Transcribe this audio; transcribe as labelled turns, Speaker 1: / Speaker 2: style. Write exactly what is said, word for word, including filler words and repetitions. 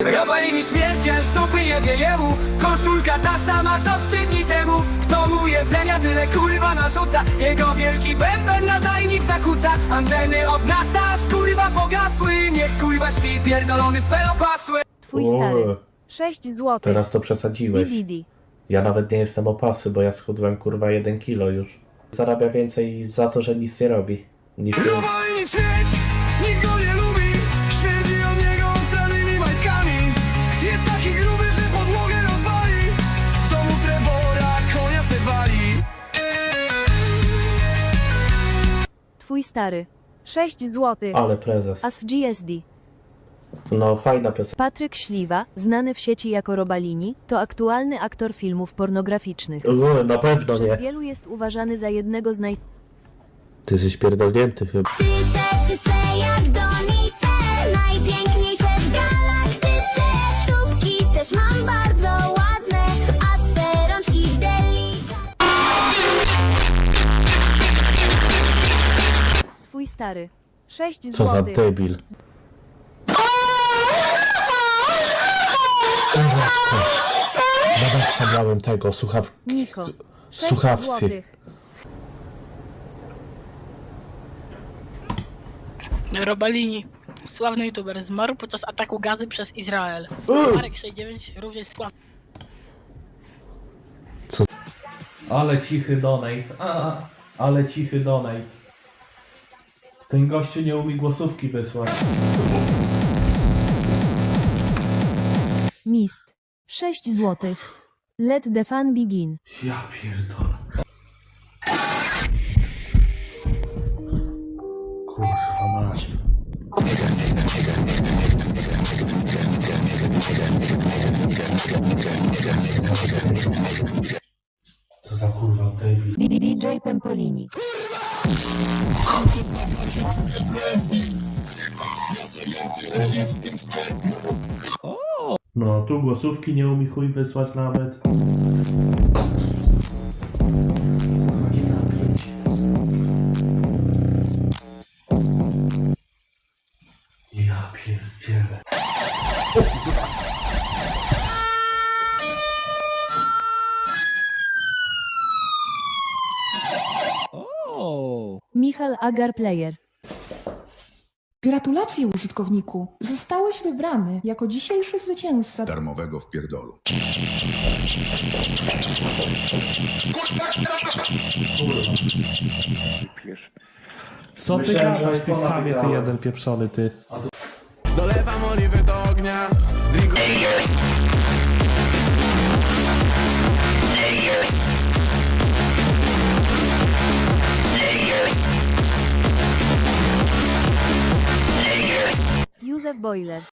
Speaker 1: Robalini śmierciel, stopy jebie jemu. Koszulka ta sama co trzy dni temu. Kto mu jedzenia tyle kurwa narzuca. Jego wielki bęben nadajnik zakłóca. Anteny od nas aż kurwa pogasły. Niech kurwa śpi pierdolony cwelopasły.
Speaker 2: Twój
Speaker 3: O,
Speaker 2: stary. sześć złotych.
Speaker 3: Teraz to przesadziłeś.
Speaker 2: D V D.
Speaker 3: Ja nawet nie jestem opasy, bo ja schudłem kurwa jeden kilo już. Zarabia więcej za to, że nic nie robi. Niż
Speaker 1: Robalini śmierć, nikt go nie lubi. Śmierdzi od niego obsranymi majtkami. Jest taki gruby, że podłogę rozwali. W domu Trevora konia se wali.
Speaker 2: Twój stary. sześć złotych.
Speaker 3: Ale prezes.
Speaker 2: As w G S D.
Speaker 3: No fajna piosenka.
Speaker 2: Patryk Śliwa, znany w sieci jako Robalini, to aktualny aktor filmów pornograficznych.
Speaker 3: O, na pewno
Speaker 2: Przez
Speaker 3: nie.
Speaker 2: wielu jest uważany za jednego z naj...
Speaker 3: Ty jesteś pierdolnięty chyba.
Speaker 4: Cyce, cyce jak donice, najpiękniejsze w galaktyce. Stópki też mam bardzo ładne, a swe rączki delikatne.
Speaker 2: Twój stary. sześć
Speaker 3: Co za
Speaker 2: złotych.
Speaker 3: debil. Nawet zabrałem tego, słuchaw...
Speaker 2: Niko. sześć
Speaker 3: Słuchawcy.
Speaker 2: złotych.
Speaker 5: Robalini, sławny youtuber, zmarł podczas ataku gazy przez Izrael. Marek sześćdziesiąt dziewięć również sławny.
Speaker 3: Ale cichy donate. A, ale cichy donate. Ten gościu nie umie głosówki wysłać.
Speaker 2: Mist. sześć złotych. Let the fun begin.
Speaker 3: Ja pierdolę. Kurwa mać. Co za kurwa debil.
Speaker 2: D J Pempolini.
Speaker 3: No, tu głosówki nie umie chuj wysłać nawet. Ja pierdzielę.
Speaker 2: Michal Agar Player.
Speaker 6: Gratulacje użytkowniku! Zostałeś wybrany jako dzisiejszy zwycięzca.
Speaker 7: Darmowego w pierdolu.
Speaker 3: Co ty
Speaker 8: Myślałem,
Speaker 3: gadasz,
Speaker 8: że
Speaker 3: ty
Speaker 8: iPhone'a
Speaker 3: chamie, ty
Speaker 8: wygrałem.
Speaker 3: jeden pieprzony, ty.
Speaker 1: Dolewam oliwy do ognia. Drinku.
Speaker 2: Józef Boiler.